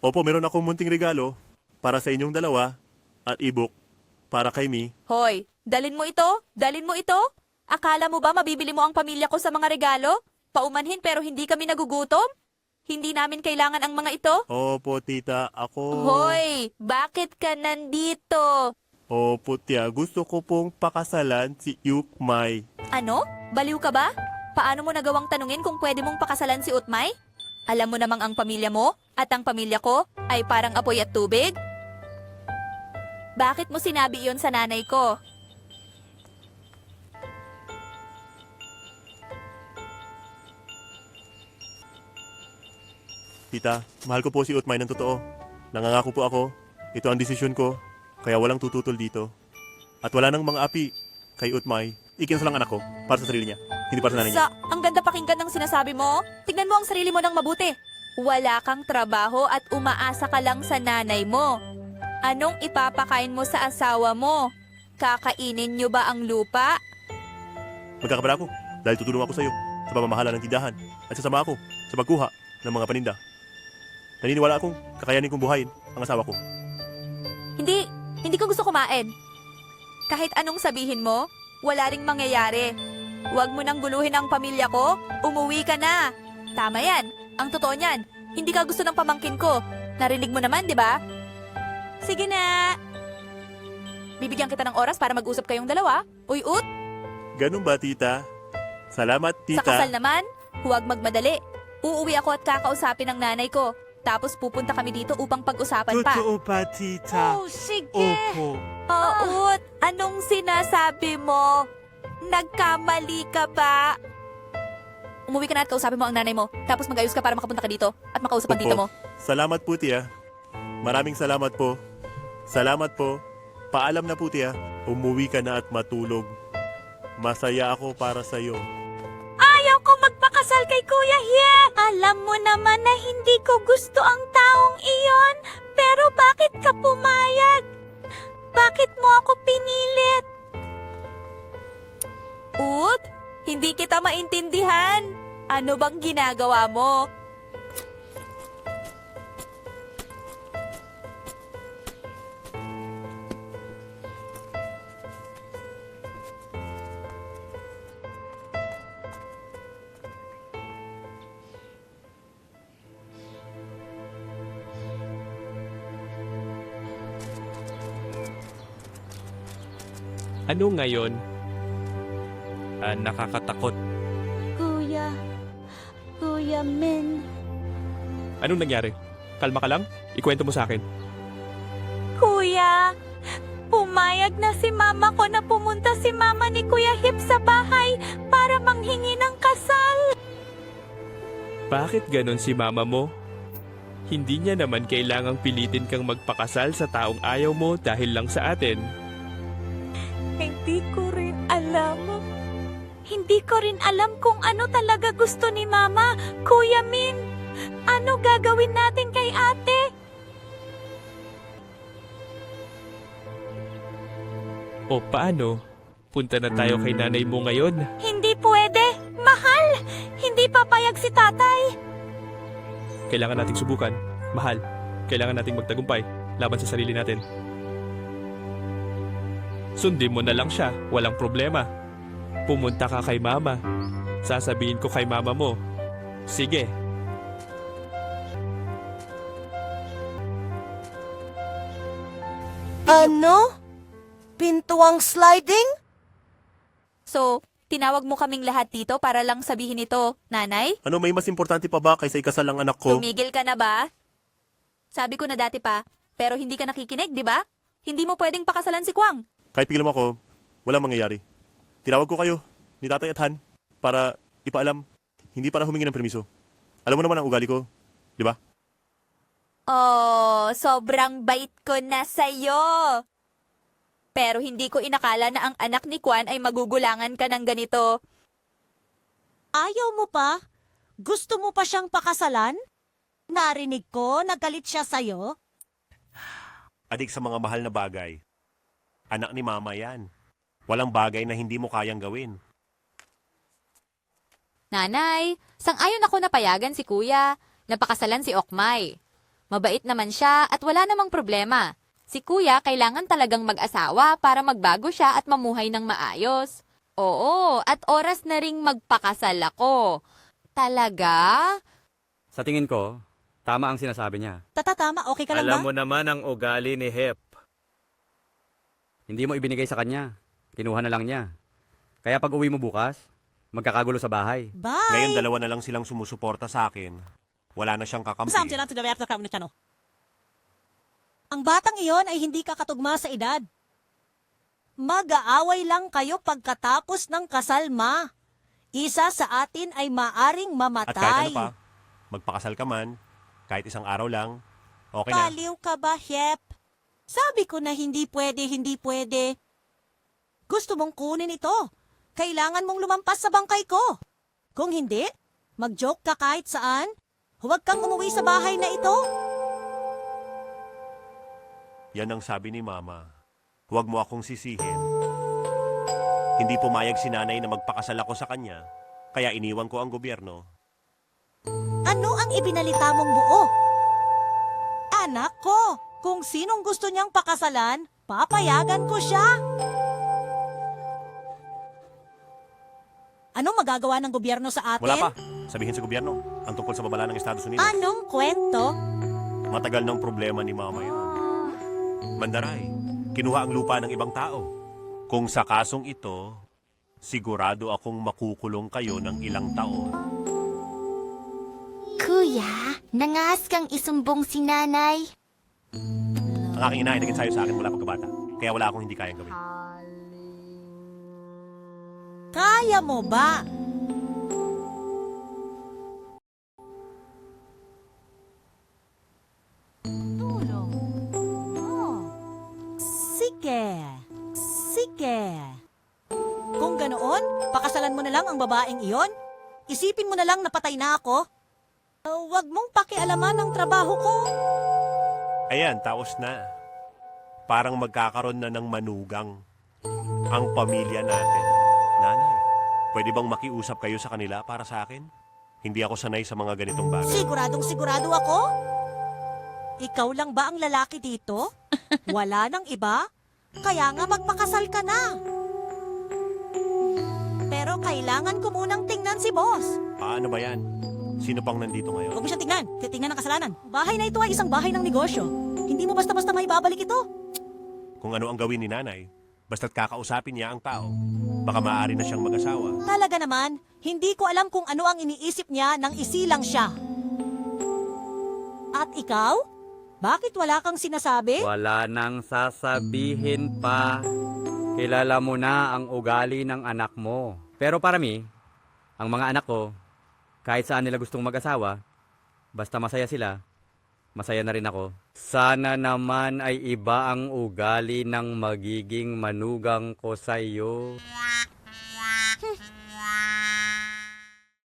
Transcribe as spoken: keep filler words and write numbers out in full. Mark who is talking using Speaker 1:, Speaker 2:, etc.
Speaker 1: Opo, meron akong munting regalo para sa inyong dalawa at ebook para kay Mi.
Speaker 2: Hoy, dalin mo ito? Dalin mo ito? Akala mo ba mabibili mo ang pamilya ko sa mga regalo? Paumanhin pero hindi kami nagugutom? Hindi namin kailangan ang mga ito?
Speaker 1: Opo, tita, ako...
Speaker 2: Hoy, bakit ka nandito?
Speaker 1: Opo, tia, gusto ko pong pakasalan si Yukmay.
Speaker 2: Ano? Baliw ka ba? Paano mo nagawang tanungin kung pwede mong pakasalan si Utmay? Alam mo namang ang pamilya mo at ang pamilya ko ay parang apoy at tubig? Bakit mo sinabi iyon sa nanay ko?
Speaker 1: Tita, mahal ko po si Utmay ng totoo. Nangangako po ako. Ito ang desisyon ko, kaya walang tututol dito. At wala nang mga api kay Utmay. Ikinsa lang anak ko para sa sarili niya, hindi para sa nanay niya.
Speaker 2: Sa, ang ganda pakinggan ng sinasabi mo. Tignan mo ang sarili mo ng mabuti. Wala kang trabaho at umaasa ka lang sa nanay mo. Anong ipapakain mo sa asawa mo? Kakainin niyo ba ang lupa?
Speaker 1: Magkakabala ako dahil tutulong ako sa iyo sa pamamahala ng tindahan at sasama ako sa pagkuha ng mga paninda. Naniniwala akong kakayanin kong buhayin ang asawa ko.
Speaker 2: Hindi, hindi ko gusto kumain. Kahit anong sabihin mo, wala ring mangyayari. Huwag mo nang guluhin ang pamilya ko, umuwi ka na. Tama yan, ang totoo niyan. Hindi ka gusto ng pamangkin ko. Narinig mo naman, di ba? Sige na. Bibigyan kita ng oras para mag-usap kayong dalawa. Uy, Ut,
Speaker 1: Ganun ba, tita? Salamat, tita.
Speaker 2: sa kasal naman, huwag magmadali. Uuwi ako at kakausapin ng nanay ko. Tapos pupunta kami dito upang pag-usapan pa.
Speaker 3: Totoo pa, tita?
Speaker 2: Oh, sige.
Speaker 3: Opo.
Speaker 2: Oh, Ut, anong sinasabi mo? Nagkamali ka ba? Umuwi ka na at kausapin mo ang nanay mo. Tapos mag-ayos ka para makapunta ka dito at makausap ang
Speaker 1: Opo.
Speaker 2: tita mo.
Speaker 1: Salamat po, tia. Maraming salamat po. Salamat po. Paalam na po, tia. Umuwi ka na at matulog. Masaya ako para sa iyo.
Speaker 2: Ayaw ko magpakasal kay Kuya Hie. Alam mo naman na hindi ko gusto ang taong iyon. Pero bakit ka pumayag? Bakit mo ako pinilit? Ut, hindi kita maintindihan. Ano bang ginagawa mo?
Speaker 4: Ano ngayon? Ah, nakakatakot.
Speaker 5: Kuya, Kuya Min,
Speaker 4: Anong nangyari? Kalma ka lang? Ikwento mo sa akin.
Speaker 2: Kuya, pumayag na si mama ko na pumunta si mama ni Kuya Hip sa bahay para manghingi ng kasal.
Speaker 4: Bakit ganon si mama mo? Hindi niya naman kailangang pilitin kang magpakasal sa taong ayaw mo dahil lang sa atin.
Speaker 2: Hindi ko rin alam. Hindi ko rin alam kung ano talaga gusto ni mama. Kuya Min, ano gagawin natin kay ate?
Speaker 4: O paano? Punta na tayo kay nanay mo ngayon.
Speaker 2: Hindi pwede. Mahal! Hindi papayag si tatay.
Speaker 4: Kailangan nating subukan. Mahal, kailangan nating magtagumpay laban sa sarili natin. Sundin mo na lang siya, walang problema. Pumunta ka kay mama. Sasabihin ko kay mama mo. Sige.
Speaker 5: ano? Pintuang sliding?
Speaker 2: So, tinawag mo kaming lahat dito para lang sabihin ito, nanay?
Speaker 1: Ano, may mas importante pa ba kaysa ikasal ang anak ko?
Speaker 2: Tumigil ka na ba? Sabi ko na dati pa, pero hindi ka nakikinig, di ba? Hindi mo pwedeng pakasalan si Kwang.
Speaker 1: Kahit pigilan mo ako, walang mangyayari. Tinawag ko kayo ni Tatay at Han para ipaalam, hindi para humingi ng permiso. Alam mo naman ang ugali ko, di ba?
Speaker 2: Oh, sobrang bait ko na sa'yo. Pero hindi ko inakala na ang anak ni Kwan ay magugulangan ka ng ganito.
Speaker 5: Ayaw mo pa? Gusto mo pa siyang pakasalan? Narinig ko, nagalit siya sa'yo.
Speaker 6: Adik sa mga mahal na bagay. Anak ni mama yan. Walang bagay na hindi mo kayang gawin.
Speaker 7: Nanay, sang-ayon ako na payagan si kuya. Napakasalan si Okmay.
Speaker 2: Mabait naman siya at wala namang problema. Si kuya kailangan talagang mag-asawa para magbago siya at mamuhay ng maayos. Oo, at oras na ring magpakasal ako. Talaga?
Speaker 3: Sa tingin ko, tama ang sinasabi niya.
Speaker 5: Tatatama, okay ka lang
Speaker 7: Alam
Speaker 5: ba?
Speaker 7: mo naman ang ugali ni Hep.
Speaker 3: Hindi mo ibinigay sa kanya. Kinuha na lang niya. Kaya pag uwi mo bukas, magkakagulo sa bahay.
Speaker 5: Bye!
Speaker 6: Ngayon dalawa na lang silang sumusuporta sa akin. Wala na siyang kakampi.
Speaker 5: Saan sila to the left of the Ang batang iyon ay hindi kakatugma sa edad. Mag-aaway lang kayo pagkatapos ng kasal, ma. Isa sa atin ay maaring
Speaker 6: At kahit ano
Speaker 5: mamatay.
Speaker 6: pa, magpakasal ka man, kahit isang araw lang, okay na.
Speaker 5: Baliw ka ba, Hep? Sabi ko na hindi pwede, hindi pwede. Gusto mong kunin ito. Kailangan mong lumampas sa bangkay ko. Kung hindi, mag-joke ka kahit saan. Huwag kang umuwi sa bahay na ito.
Speaker 6: Yan ang sabi ni Mama. Huwag mo akong sisihin. Hindi pumayag si nanay na magpakasal ako sa kanya, kaya iniwan ko ang gobyerno.
Speaker 5: Ano ang ibinalita mong buo? Anak ko, kung sinong gusto niyang pakasalan, papayagan ko siya. Anong magagawa ng gobyerno sa atin?
Speaker 6: Wala pa. Sabihin sa gobyerno, ang tungkol sa babala ng Estados Unidos.
Speaker 5: Anong kwento?
Speaker 6: Matagal ng problema ni Mama yan. Mandaray, kinuha ang lupa ng ibang tao. Kung sa kasong ito, sigurado akong makukulong kayo ng ilang taon.
Speaker 8: Kuya, nangas kang isumbong si nanay.
Speaker 6: Ang aking ina ay naging sayo sa akin mula pagkabata, kaya wala akong hindi kayang gawin.
Speaker 5: Kaya mo ba? Tulong. Oh. Sige. Sige. Kung ganoon, pakasalan mo na lang ang babaeng iyon. Isipin mo na lang na patay na ako. Uh, Huwag mong pakialaman ang trabaho ko.
Speaker 6: Ayan, taos na. Parang magkakaroon na ng manugang ang pamilya natin. Nanay, pwede bang makiusap kayo sa kanila para sa akin? Hindi ako sanay sa mga ganitong bagay.
Speaker 5: Siguradong sigurado ako? Ikaw lang ba ang lalaki dito? Wala nang iba? Kaya nga magpakasal ka na. Pero kailangan ko munang tingnan si boss.
Speaker 6: Paano ba yan? Sino pang nandito ngayon?
Speaker 5: Huwag mo siya tingnan. Titingnan ng kasalanan. Bahay na ito ay isang bahay ng negosyo. Hindi mo basta-basta may babalik ito.
Speaker 6: Kung ano ang gawin ni nanay, basta't kakausapin niya ang tao, baka maaari na siyang mag-asawa.
Speaker 5: Talaga naman, hindi ko alam kung ano ang iniisip niya nang isilang siya. At ikaw? Bakit wala kang sinasabi?
Speaker 3: Wala nang sasabihin pa. Kilala mo na ang ugali ng anak mo. Pero para mi, ang mga anak ko, kahit saan nila gustong mag-asawa, basta masaya sila, masaya na rin ako. Sana naman ay iba ang ugali ng magiging manugang ko sa iyo.